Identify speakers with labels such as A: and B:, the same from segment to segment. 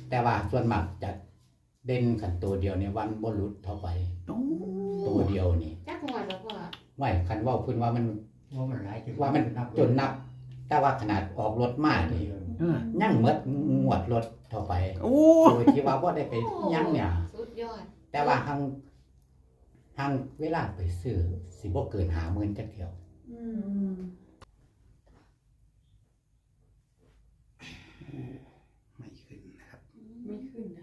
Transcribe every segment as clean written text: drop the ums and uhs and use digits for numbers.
A: แต่ว่าส่วนมากจะเด่นขันตัวเดียวในวันบ่หลุดเท่าไปตัวเดียวนี่
B: จักงวดแล้วพ่อ
A: ไหวคันว่าเพิ่นว่ามัน
C: ว่ามันหลาย
A: ว่ามันจนนับ แต่ว่าขนาดออกรถมานี่ยังหมดงวดรถเท่าไปโดยที่ว่าบ่ได้ไปยังเนี่ย
B: สุดยอด
A: แต่ว่าหังเวลาไปซื้อสิบ่เกิน50,000จักเที่ยว
D: ไม่ขึ้นนะครับ
E: ไม่ขึ้นนะ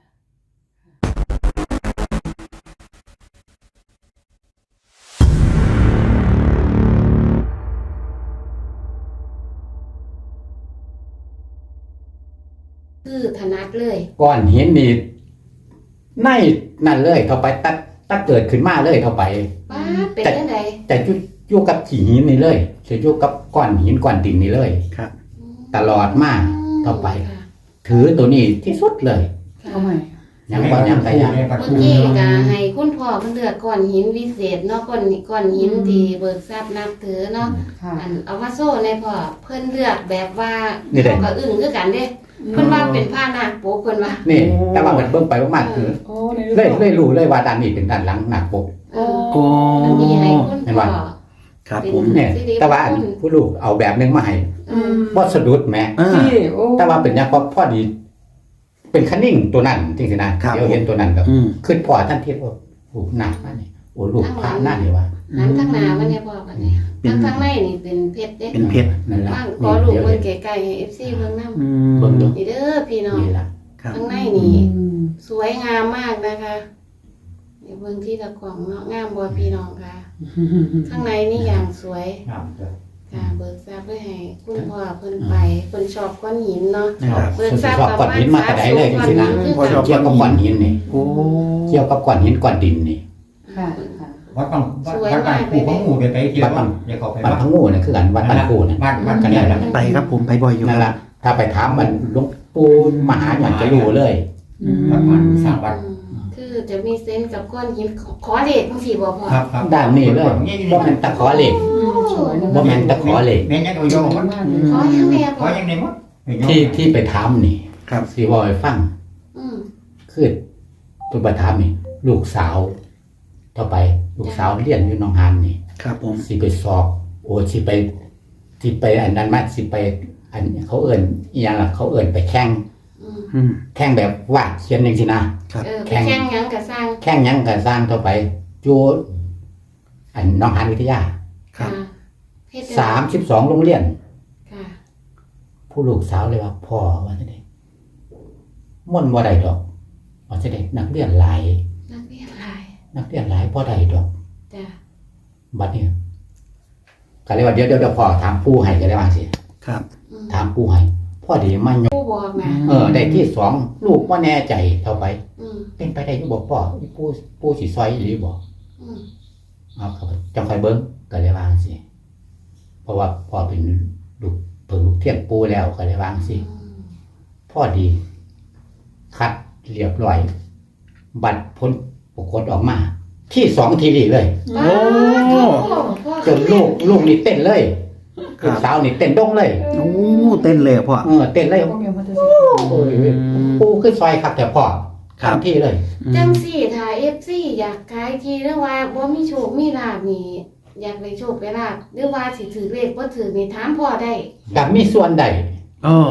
B: คือถนัดเลย
A: ก้อนหินนี่ในนั่นเลยเท่าไปตัดเกิดขึ้นมาเลยเท่าไป
B: ป้าดเป็นจังได๋
A: แต่อยู่กับขี้หินนี่เลยจะอยู่กับก้อนหินก้อนดินนี่เลย
D: ครับ
A: ตลอดมาต่อไป ถือตัวนี้ที่สุดเลย
E: เอาใหม่
A: ยังบ่ยังก็ยัง
B: เมื่อกี้ก็ให้คุณพ่อเพิ่นเลือกก้อนหินวิเศษเนาะก้อนหินที่เบิกทรัพย์นับถือเนาะ
E: ค่ะ
B: อันเอามาโซ่ในพ่อเพิ่นเลือกแบบว่า
A: นี่แหละ
B: เขาก็อึ้งคือกันเด้เพิ่นว่าเป็นผ้านาคโปกเพิ่นว่า
A: นี่แต่ว่ามันเบิ่งไปมากๆคือ
E: โอ้ในรูป
A: เลยรู้เลยว่าด้านนี้เป็นด้านหลังหนักปก
B: เออ
D: โอ้
B: อันนี้ให้คุณ
A: เห็น
B: พ่อ
A: ปะ
D: ครับผม
A: เนี่ยแต่ว่าอันผู้ลูกเอาแบบนึงมาให้
B: อืม
A: บ่สะดุดแหม
E: ที่โอ้
A: แต่ว่าเป็นยังพอดี เป็นคันนิ่งตัวนั้นจริงๆนะครับ เดี๋ยวเห็นตัวนั้นก็
D: อืม
A: ขึ้นพอทันทีว่าโอ้หนักมากนี่โอ้ลูกพระหน้านี่ว่า
B: นั้นข้างหน้ามันเนี่ยพ่อบัดนี้ข้างในนี่เป็นเพชรเด้
D: เป็นเพชร
A: นั่นล่ะ
B: บ้างขอลูกเบิ่งไกลๆให้ FC เบิ่งนำ
D: อืม
A: เบิ่งดู
B: นี่เด้อพี่น้อง
A: นี่ล่ะ
D: ครับ
B: ข้างในนี่สวยงามมากนะคะเดี๋ยวเบิ่งที่ตะกล่องเนาะงามบ่พี่น้องค่ะ ข้างในนี่อย่างสวย
C: งามจ้ะ
B: ค่ะเบิกทรัพย์ไว้ให้คุณพ่อเพิ่นไปเพิ่นชอบก้อนหินเนาะ
D: ครับ
B: เบิกทรัพย์
A: ชอบก้อนหินมาแต่ใดเลยจริงๆนะ
D: พอชอบ
A: เกี่ยวกับก้อนหินนี่
D: โอ้
A: เกี่ยวกับก้อนหินก้อนดินนี่
E: ค่ะค่ะ
C: วัดบางวัดบางคู่ของหมู่ไปที่วัดอย่าเข้าไป
A: บ้าน
C: วัด
A: พังงูนี่คือกันวัดบ้านคูนี่
C: บ้านกันได้แล้ว
D: ไปครับผมไปบ่อยอยู่
A: นั่นล่ะถ้าไปถามมันหลวงปู่มหาหยอนจะรู้เลย
C: วัดมันสร้างวัด
B: คือจะมีเซนส์กับก้อนหินขอเลขจังซี่บ่พ่อ
C: ครับครับ
A: ด้านนี้เลยบ่แม่นตะขอเหล็ก
E: สวยนะ
A: บ่แม่นตะขอเหล็ก
C: แม่นยังเอาโยมมัน
B: ขอยังแม่
C: ข
B: พ่
C: อ
B: อ
C: ยังในมด
A: ที่ไปถามนี่
D: ครับ
A: สิบ่ให้ฟัง
B: อืม
A: คือตัวไปถามนี่ ลูกสาวต่อไป ลูกสาวเรียนอยู่หนองหานนี่
D: ครับผม
A: สิไปสอบ โอ้สิไปอันนั้นมาสิไปอันเขาเอิ้นอีหยังล่ะเขาเอิ้นไปแข่ง
B: อืม
D: อืม
A: แข่งแบบวาดเขียนจังซี่นะ
B: ไปแข่งหยังก็สร้าง
A: แข่งหยังก็สร้างต่อไปอยู่อันหนองหานวิทยา
D: ครับ
B: เฮ็ดจังได๋
A: 32โรงเรียน
B: ค่ะ
A: ผู้ลูกสาวเลยว่าพ่อว่าจังได๋ม่วนบ่ได้ดอกว่าจังได๋นักเรียนหลาย
B: นักเรียนหลาย
A: นักเรียนหลายบ่ได้ดอก
B: จ้ะ
A: บัดนี้ก็เลยว่าเดี๋ยวพ่อถามปู่ให้ก็ได้ว่าสิ
D: ครับ
B: อืม
A: ถามปู่ให้พ่อดีมายก
B: ผู้บอกนะ
A: ได้ที่สองลูกบ่แน่ใจเท่าไป
B: อืม
A: เป็นไปได้อยู่บ่พ่ออีปู่สิซอยอีหรือบ่
B: อืม
A: เอาครับจังค่อยเบิ่งก็เลยว่าสิเพราะว่าพ่อเป็นลูกเพิ่งลูกเทียนปู่แล้วก็เลยว่าสิ
B: อืม
A: พ่อดี คัดเรียบร้อย บัตรพ้นปรากฏออกมา ที่สองทีรีเลย
D: โอ้
B: พ่อ
A: จนลูกนี่เต้นเลยลูกสาวนี่เต้นดงเลย
D: โอ้เต้นเลยอะพ่อ
A: เต้นเลย
E: ก็มีมาจะ
A: โอ้ยปูขึ้นซอยครับแต่พ่อ
D: ครับ
A: ทำที่เลย
B: จังสี่ถ้า FC อยากขายทีหรือว่าบ่มีโชคมีลาภนี่อยากได้โชคได้ลาภหรือว่าสิถือเลขบ่ถือนี่ถามพ่อได้
A: กับมีส่วนใด
D: เออ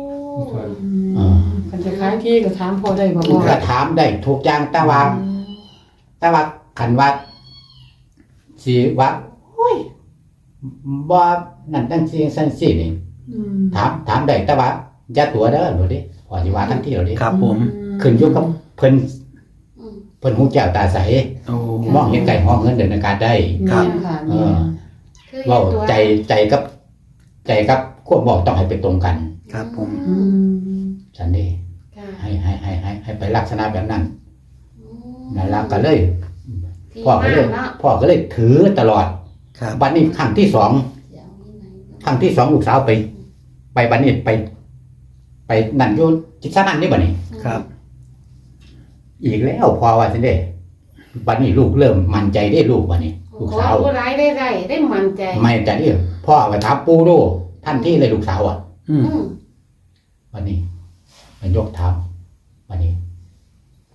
E: มันจะคล้ายที่ก็ถามพอได้บ่พ่อ
A: ก็ถามได้ถูกอย่างแต่ว่าขันว่าสีว่าโอ้ยบ่นั่นตั้งสีสันสีนี่ ถามได้แต่ว่าอย่าตัวเด้อหนูดิพอสิว่าทั้งที่เราดิ
D: ครับผม
A: ขึ้นอยู่กับเพิ่น
B: อืม
A: เพิ่นหูแก้วตาใส
D: โอ้
A: มองเห็นไก่ห้องเงินเดินอากาศได้
E: ค่ะค่ะ
B: คือ
A: เว้า
B: ตัว
A: ใจกับควบบอกต้องให้ไปตรงกัน
D: ครับผม
A: ฉันดิ
B: ค่ะ
A: ให้ไปลักษณะแบบนั้น
B: อืม
A: นั่นล่ะก็เลย
B: ที่
A: พ่อก็เลย
B: บ้านเนาะ
A: พ่อก็เลยถือตลอด
D: ครับ
A: บัดนี้ครั้งที่สองครั้งที่สองลูกสาวไปบัดนี้ไปนั่นอยู่จิตสนั่นนี่บัดนี้
D: ครับ
A: อีกแล้วพอว่าซั่นเด้บัดนี้ลูกเริ่มมั่นใจได้ลูกบัดนี้ ลูก
B: ขอ
A: สาว
B: ผู้ร้ายได้มั่นใจ
A: ไม่ใจนี่พ่อไปถามปู่ดูท่านที่เลยลูกสาวอ่ะ
D: อืม
B: อืม
A: บัดนี้มันยกถามป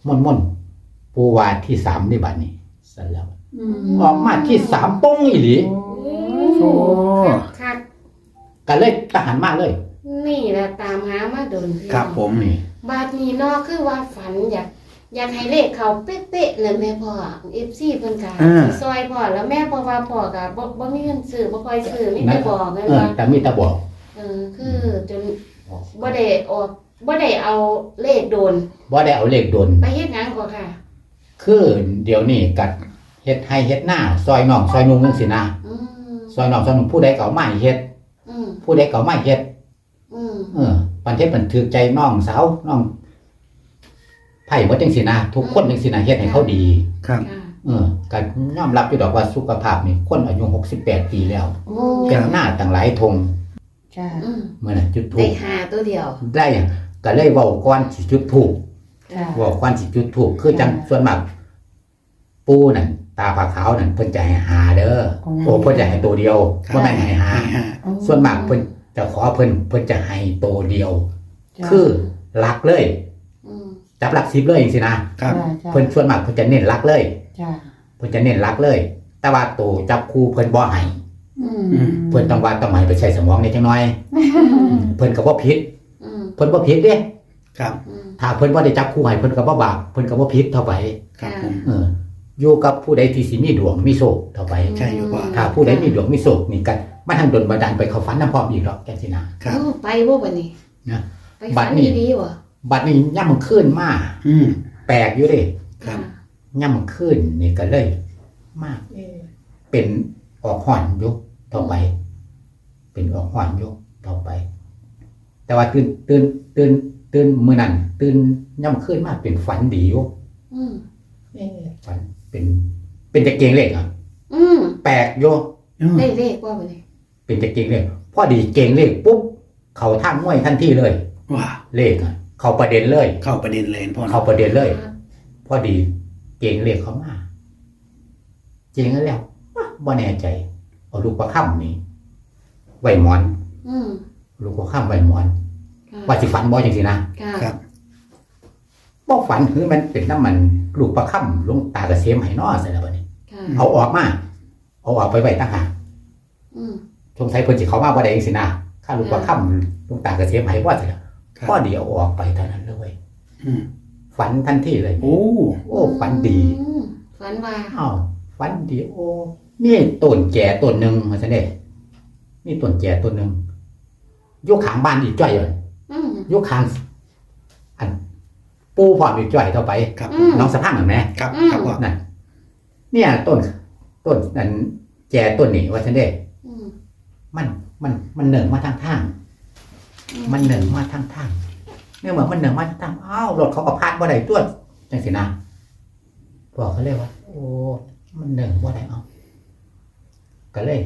A: ม่อนปูวาที่3นี่บัดนี้สั่นแล้ว
E: อืม
A: ออกมาที่3ป้งอีหลี
D: โอ้
B: คัก
A: ก็เลยทหารมาเลย
B: นี่แหละตามหามาโดนพี่
D: ครับผม
A: นี่
B: บาดนี้เนอกคือว่าฝันอยากให้เลขเขาเป๊ะๆเลยแม่พ่อ FC เพิ่นก็สิซอยพ่อแล้วแม่พ่อว่าพ่อก็บ่มีเงินซื้อบ่ค่อยซื้อมีแต่บอกนั่นว่า
A: แต่มีแต่บอก
B: คือจนบ่ได้ออกบ่ได้เอาเลขโดน
A: บ่ได้เอาเลขโดน
B: ไปเฮ็ดหยังก็ค่ะ
A: คือเดี๋ยวนี้กัดเฮ็ดให้เฮ็ดหน้าซอยน้องซอยนุ่งจังซี่นะ
B: อืม
A: ซอยน้องซอยนุ่งผู้ใดก็เอามาให้เฮ็ด
B: อืม
A: ผู้ใดก็เอามาให้เฮ็ด
B: อืม
A: ปันเทศมันถือใจน้องสาวน้องไผ่บ่จังซี่นะทุกคนจังซี่นะเฮ็ดให้เขาดี
D: ครับ
B: ค่ะ
A: ก็ยอมรับอยู่ดอกว่าสุขภาพนี่คนอายุ68ปีแล้ว
B: โอ้
A: เฮ็ดหน้าตั้งหลายทง
E: ค่ะ
B: อืม
A: มื้อนั้นจุดธู
B: ได้
A: ป
B: หาตัวเดียว
A: ได้ก็เลยเว้าก่อนสิจุดธูป
E: ค่ะ
A: เว้าก่อนสิจุดธูปคือจังส่วนมากปู่นั่นตาผาขาวนั่นเพิ่นจะให้หาเด้อโอ้เพิ่นจะให้ตัวเดียวบ่แม่นให้หา ส่วนมากเพิ่นจะขอเพิ่นจะให้ตัวเดียว คือหลักเลย
B: อืม
A: จับหลัก10เลยจังซี่นะครับ เพิ่นส่วนมากเพิ่นจะเน้นหลักเลย
E: จ้า
A: เพิ่นจะเน้นหลักเลย แต่ว่าตัวจับคู่เพิ่นบ่ให้
E: อืม
A: เพิ่นต้องว่าต้องให้ไปใช้สมองนิดจังน้อย เพิ่นก็บ่ผิด
B: อืม
A: เพิ่นบ่ผิดเด้
D: ครับ
B: อืม
A: ถ้าเพิ่นบ่ได้จับคู่ให้เพิ่นก็บ่บาปเพิ่นก็บ่ผิดเท่าไป
D: ครับผม
A: อยู่กับผู้ใดที่สิมีดวงมีโชคเท่าไป
D: ใช่อยู่ว่า
A: ถ้าผู้ใดมีดวงมีโชคนี่กันมันทางดลบันดาลไปเข้าฝันนำพร้อมอีกหรอกจังซี่นะครับ
B: โอ้ไปบ่บัดนี้
A: นะ
B: ไป
A: บั
B: ฝั
A: ด
B: น
A: นี้
B: ดีๆบ่
A: บัดนี้ย่ำมันขึ้นมา
D: อืม
A: แปลกอยู่เด้
D: ครับ
A: ย่ำมันขึ้นนี่ก็เลยมากเป็นออกห่อนอยู่ต่อไป เป็นออกห่อนอยู่ต่อไป แต่ว่าตื่นมื้อนั้นตื่นย่ำขึ้นมาเป็นฝันดีอยู่
B: อืม
A: ฝันเป็นตะเกียงเลขอ่ะ
B: อืม
A: แปลกอยู่
B: ได้เลขบ่บัดนี้
A: เป็นตะเกียงเลขพอดีเก่งเลขปุ๊บเขาทางมวยทันทีเลย
D: ว้า
A: เลขอ่ะเขาประเด็นเลย
D: เข้าประเด็นเลยพ่อ
A: เขาประเด็นเลย พอดีเก่งเลขเขามาเก่งแล้วบ่แน่ใจเอาลูกประค่ำนี่ไว้หมอน
B: อืม
A: ลูกประค่ำไว้หมอน
B: ค่ะ
A: ว่าสิฝันบ่จังซี่นะ
B: ค่ะ
D: ครับ
A: บ่ฝันคือมันเป็นน้ำมันลูกประค่ำลงตากระเสียมให้น้อซะแล้วบัดนี้
B: ค่ะ
A: เอาออกมาเอาออกไปไว้ต่างหาก
B: อืม
A: สงสัยเพิ่นสิเข้ามาบ่ได้จังซี่นะข้าลูกประค่ำลงตากระเสียมให้บ่ซะแล้ว
D: ครับ
A: พอดีเอาออกไปเท่านั้นเลย
D: อืม
A: ฝันทันทีเลย
D: โอ้
A: โอ้ฝันดี
B: อืมฝันว่า
A: อ้าวฝันดีโอ้นี่ต้นแก่ต้นหนึ่งมาซะเด้นี่ต้นแก่ต้นหนึ่งอยกขางบ้านอีกจ้อยเลย
B: อืม
A: ยกขางอันปูพร้อมอีกจ้อยเท่าไป
D: ครับ
B: อืม
A: น้องสะพังเห็นไหม
D: ครับ
B: อืม
D: ครับพ่อ
A: นั่นเนี่ยต้นนั้นแก่ต้นนี้ว่าซะเด้
B: อืม
A: มันเหนึ่งมาทางทางมันเหนึ่งมาทางทางเนี่ยเหมือนมันเหนึ่งมาทางทางอ้าวรถเขาก็พาดบ่ได้ตัวจังสินะบอกเขาเลยว่า โอ้มันเหนึ่งบ่ได้เอาก็เลย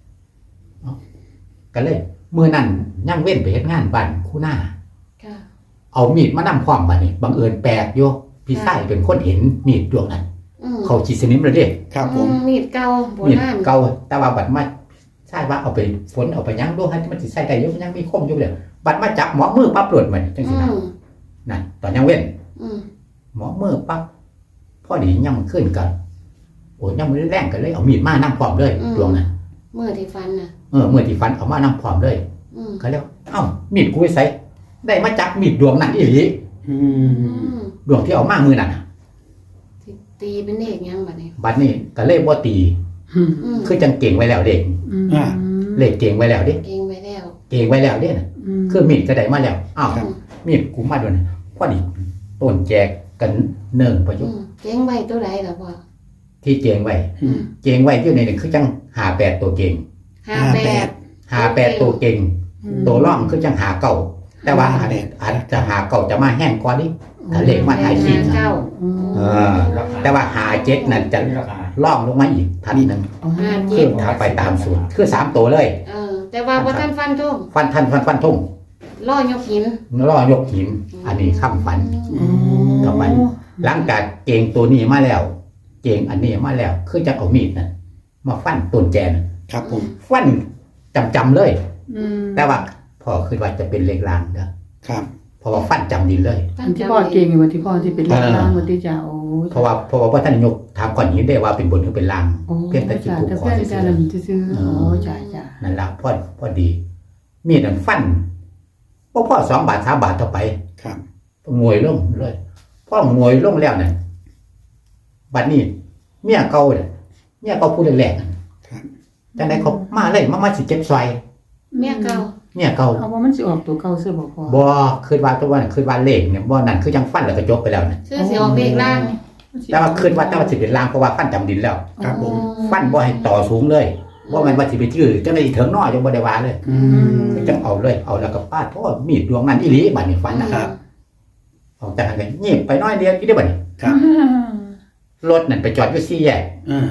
A: มือนั่นย่างเว้นไปเฮ็ดงานบ้านคู่หน้า
B: ค่ะ
A: เอามีดมานำความบัดนี้บังเอิญแปลกโยพี่ชายเป็นคนเห็นมีดดวงนั้น
B: อืม
A: เขาจิตสนิมเลยเด้
D: ครับผม
B: มีดเก่าโบ
A: มีด
B: ราณ
A: เก่าแต่ว่าบัดมาใช่ว่าเอาไปฝนเอาไปยั้งดูให้มันสิใส่ได้อยู่มันยังมีคมอยู่เลยบัดมาจับหมอมือปั๊บหลุดมันจัง
B: อื
A: ซี่นะ
B: ม
A: นั่นตอนยังเว้น
B: อืม
A: หมอมือปั๊บพอดียังมันขึ้นกันโอ้ยังมือแรงกันเลยเอามีดมานำพร้อมเลยดวงนั้น
B: เมื่อที่ฟันน่ะ
A: เมื่อที่ฟันเอามานำพร้อมเลย
B: อืม
A: เขาเรียกว่าเอ้ามีดกูไปใส่ได้มาจับมีดดวงนั้นอีหลี
D: อื
B: อื
D: ม
B: ม
A: ดวงที่เอามามือนั่นน่ะ
B: สิตีเป็นเลขยังบัดนี้
A: บัดนี้ก็เลยบ่ตี
B: อืม
A: คือจังเก่งไว้แล้วเด็ก เลขเก่งไว้แล้วเด็ก
B: เก่งไว้แล้ว
A: เก่งไว้แล้วเด้น่ะคือมีดก็ได้มาแล้วอ้าว
B: อืม
A: มีดกูมาด้วยนะพอดีต้นแจกกันเนิ่งประยุ
B: อื
A: กต์
B: มเก่งไว้ตัวใดล่ะพ่อ
A: ที่เก่งไว้
D: อืม
A: เก่งไว้อยู่ในนี่คือจัง58ตัวเก่ง
B: 58
A: 58ตัวเก่งตัวร่องคือจังหาเก่าแต่ว่าอาจจะหาเก่าจะมาแห้งกว่านี้ถ้าเลขมาถ่ายขีด
B: เก้า
A: แต่ว่าหาเจ็ดนั่นจะล่องลงมาอีกทันหนึง
B: ห้า
A: คื
B: เจ็
A: อ
B: ด
A: ถ้าไปตามสูตรคือ3ตัวเลย
B: แต่ว่าบ่ทันฟันทุ่ง
A: ฟันทุ่ง
B: ล่อยกหิน
A: ล่อยกหินอันนี้คำฝัน ต่อไป หลังจากเก่งตัวนี้มาแล้ว เก่งอันนี้มาแล้ว คือจะเอามีดนะมาฟันต้นแจน
D: ครับผม
A: ฟันจำเลย แต่ว่าพอคือว่าจะเป็นเลขลางนะครับเพราะว่าฟันจำดินเลย
E: อันที่พ่อเก่งอยู่วันที่พ่อที่เป็นล่างวันที่จะโอ้
A: เพราะว่าท่านนายกถามก่อนนี้ได้ว่าเป็นบนหรือเป็นล่าง
E: โอ้
A: เพียงแต่จุด
E: จ้ะ
A: ถูก
E: แต่
A: ขอ
E: เพื่อน
A: ซื่
E: จะ
A: อ
E: ลำซื้อโอ้จ้ะ
A: ๆนั่นละพอดี มีดนั่นฟันพ่อ2 บาท 3 บาทเท่าไป
D: ครับ
A: งวยลงเลยพ่องวยลงแล้วเนี่ยบัดนี้เมียเก่าเนี่ยเมียเก่าพูดแรกๆ
D: ครับ
A: จังได๋เขามาเลยมาสิเจ็บซอย
B: เมียเก่า
A: เมียเก่า
E: เอาว่ามันสิออกตัวเก่าซื้อบ่พ่อ
A: บ่คิดว่าตัวนั้นคิดว่าเลขเนี่ยบ่นั่นคือจังฟันแล้วก็จบไปแล้วนะ
B: ชื่อสิออกเลขล่าง
A: แต่ว่าคิดว่าสิเป็นลางเพราะว่าฟันจำดินแล้ว
D: ครับผม
A: ฟันบ่ให้ต่อสูงเลยบ่แม่นว่าสิไปชื่อจังได๋ถึงน้อยจังบ่ได้ว่าเลย
D: อืม
A: คือจังเอาเลยเอาแล้วก็ปาดโทษมีดดวงนั้นอีหลีบัดนี้ฟันน่ะ
D: ครับ
A: ออกจากนั้นก็ยิบไปน้อยเดียวอีได้บัดนี้
D: ครับ
A: รถนั่นไปจอดอยู่4แยก
D: อ่าร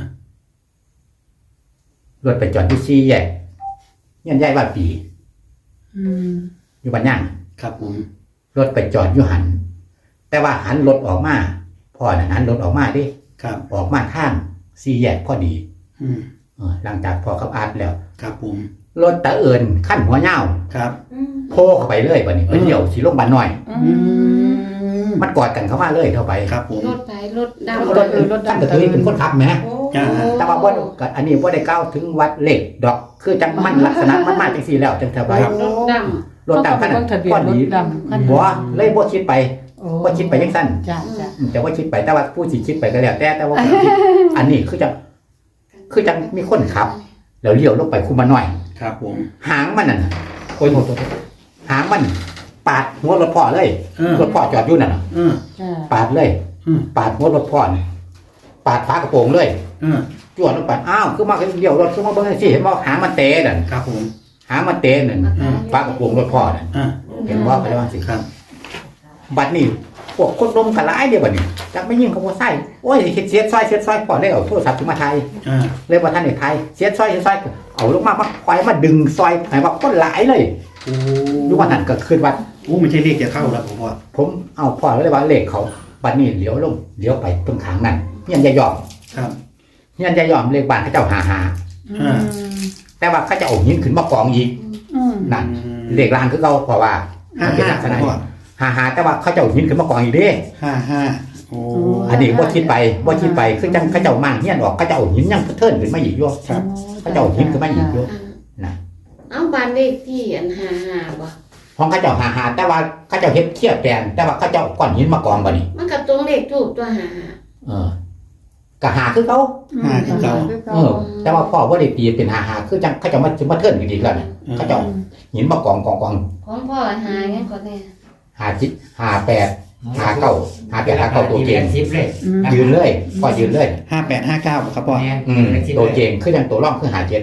A: ถไปจอดอยู่4แยกเฮียนใหญ่ว่าปี
E: อืม
A: อยู่บ้านย่าง
D: ครับผม
A: รถไปจอดอยู่หันแต่ว่าหันรถออกมาพ่อน่ะหันรถออกมาดิ
D: ครับ
A: ออกมาทาง4แยกพอดี
D: อืม
A: หลังจากพ่อกับอาร์ตแล้ว
D: ครับผม
A: รถตะเอิญขั้นหัวยาว
D: ครับ
A: โพเข้าไปเลยบัดนี้ไปเดี่ยวสีลงบ้านน้อย
D: อืม
A: มันกอดกันเข้ามาเลยเข้าไป
D: ครับผม
B: รถไปรถดำ
A: รถท่านก็ถือเป็นคนขับแหม
B: โอ้
A: แต่ว่าบ่ก็อันนี้บ่ได้ก้าวถึงวัดเลขดอก คือจังมันลักษณะมันมาจังซี่แล้วจังเท่าไป
B: รถด
A: รถตามขนาด
E: ทะเบีย
A: ก้อน
E: นร
A: ดี
E: ถดำคัน
A: บ่เลยบ่คิดไป
E: โอ้
A: บ่คิดไปจังซั่น
E: จ้ะจ้ะ
A: แต่ว่าคิดไปแต่ว่าผู้สิคิดไปก็แล้วแต่ว่าอันนี้คือจังมีคนขับ แล้วเลี้ยวลงไปคุมาหน่อย
D: ครับผม
A: หางมันน่ะโอ้ยโทษหางมันปาดหัวรถพ่อเลย รถพ่อจอดอยู่นั่นน่ะ
E: จ้ะ
A: ปาดเลย
D: อืม
A: ปาดหัวรถพ่อนี่ปาดฝากระโปรงเลย
D: อ่า
A: จวดลงไปอ้าวคือมาเลี้ยวรถคือมาเบิ่งจังซี่เห็นบ่หางมันเตะนั่น
D: ครับผม
A: หางมันเตะนั่นฝากระโปรงรถพ่อนั่น
D: อ่า
A: เห็นบ่ไปแล้วว่าสิ
D: ครับ
A: บัดนี้พวกคนลมกันหลายเดียวบัดนี้จักไม่ยิ่งเขาบ่ใส่โอ้ยสิเสียดซอยพ่อเลยเอาโทรศัพท์ขึ้นมาถ่าย
D: อ่า
A: เลยบ่ทันได้ถ่ายเสียดซอยเอาลงมาควายมาดึงซอยให้ว่าคนหลายเลย
D: โอ้
A: อยู่ว่านั่นก็คืนว่า
D: โอ้ไม่ใช่เลขจะเข้าแล้วผมว่า
A: ผมเอาพ่อเลยว่าเลขเขาบัดนี้เลี้ยวลงเลี้ยวไปตรงข้างนั้นเฮียนยายอม
D: ครับ
A: เฮียนยายอมเลขบ้านเขาเจ้าหา
D: อ่า
A: แต่ว่าเขาจะเอาหินขึ้นมากองอีก
E: อืม
A: นั่นเลขลางคือเขาเพราะว่า
D: ห้า
A: เป็น
D: ห้า
A: ลักษณะ
D: พ่อ
A: หาแต่ว่าเขาจะเอาหินขึ้นมากองอีกเด้
D: 55โอ้
A: อันนี้บ่คิดไปคือจังเขาเจ้ามั่งเฮียนออกเขาจะเอาหินยังเทินขึ้นมาอีกอยู่
D: ครับ
A: เขาจะเอาหินขึ้นมาอีกอยู่
B: ำ
A: นะ
B: เอาบ้านเลขที่อัน55บ่
A: ของเขาเจ้าหาแต่ว่าเขาเจ้าเฮ็ดเคียบแปลนแต่ว่าเขาเจ้าเอาก้อนหินมากองบ่นี่
B: มันก็ตรงเลขถูกตัวหา
A: ก็หาคือเขา
D: ห้าคือเก่า
A: แต่ว่าพ่อบ่ได้ตีเป็นหาคือจังเขาเจ้ามาเทินกันอีกแล้วนะเขาเจ้าหินมากอง
B: ของพ่อหาหยังก่อนแน่
A: หาจิตหา8หา9หา8หา9ตัวเก่ง
C: 10เลย
A: ยืนเลยพ่อยืนเลย
D: 5859ครับพ่อ
A: ตัวเก่งคือจังตัวร่องคือหา7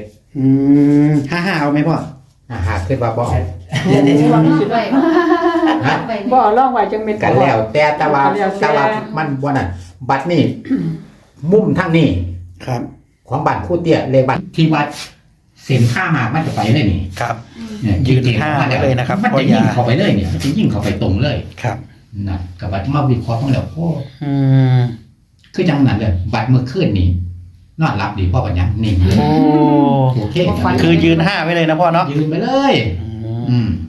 D: 55เอาไหมพ่อ
A: หาคือว่าบ่
C: เดี๋ยว
B: ไว้
A: ฮะ
B: ไว้
E: บ่ลองไว้จังเม็ด
A: กันแล้วแต่ว่ามันบ่นั่นบัดนี้มุมทางนี้
D: ครับ
A: ของบ้านคู่เตี้ยเลขบ้านที่วัดเส้นข้ามากมันจะไปเลยนี่
D: ครับ
A: เนี่ย
D: ยืนห้าไว้เลยนะครับ
A: มันจะยิ่งเข้าไปเลยเนี่ยมันจะยิ่งเข้าไปตรงเลย
D: ครับ
A: นะกับบัดมาวิเคราะห์ของเราโอ้
D: อืม
A: คือจังนั้นเลยบัดเมื่อคืนนี้นอนหลับดีพ่อปัญญานิ่งเลย
D: โอ้
A: โอเค
D: คือยืน5ไว้เลยนะพ่อเนาะ
A: ยืนไปเลย
D: อืม
A: อืม